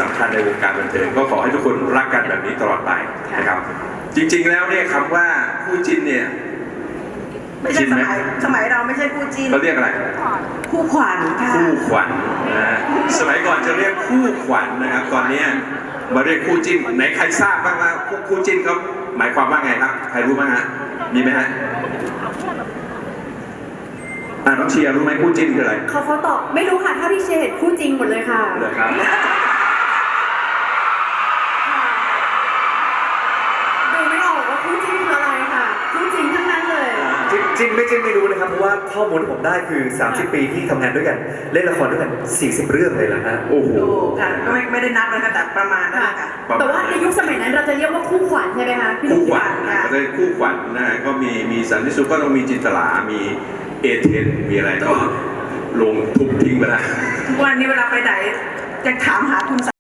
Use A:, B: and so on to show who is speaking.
A: สำคัญในวงการบันเทิงก็ขอให้ทุกคนรักกันแบบนี้ตลอดไปนะครับจริงๆแล้วเนี่ยคำว่าคู่จิ้นเนี่ย
B: ไม่ใช่สมัยเราไม่ใช่คู่จิ้น
A: เขาเรียกอะไร
B: คู่ขวัญค่ะ
A: คู่ขวัญนะสมัยก่อนจะเรียกคู่ขวัญนะครับตอนนี้มาเรียกคู่จิ้นไหนใครทราบบ้างว่าคู่จิ้นเขาหมายความว่าไงครับใครรู้บ้างฮะมีไหมฮะน้องเชียร์รู้ไหมคู่จิ้นคืออะไร
C: เขาตอบไม่รู้ค่ะถ้าพี่เชยร์เห็นคู่จริงหมดเลยค่ะ
A: เหรอครับ
C: ดูไม่ออกว่าคู่จริงคืออะไรค่ะคู่จริงทั้งนั้นเลย
D: จริงไม่รู้นะครับเพราะว่าข้อมูลที่ผมได้คือ30 ปีที่ทำงานด้วยกันเล่นละครด้วยกัน40 เรื่องเลยนะฮะ
A: โอ้โห
B: ค่ะก็ไม่ได้นับนะคะแต่ประมาณนั้นค่ะ
C: แต่ว่าในยุคสมัยนั้นเราจะเรียกว่าคู่ขวัญใช่ไหมคะพี่หนุ่
A: คู่
C: ม
A: ขวัญก็เลยคู่ขวัญนะฮะก็มีสันติสุขก็ต้องมีจินตลามีเอเทนมีอะไรก็ลงทุบทิ้งไปแล้ว
B: ทุกวันนี้เวลาไปไหนจะถามหาคุณ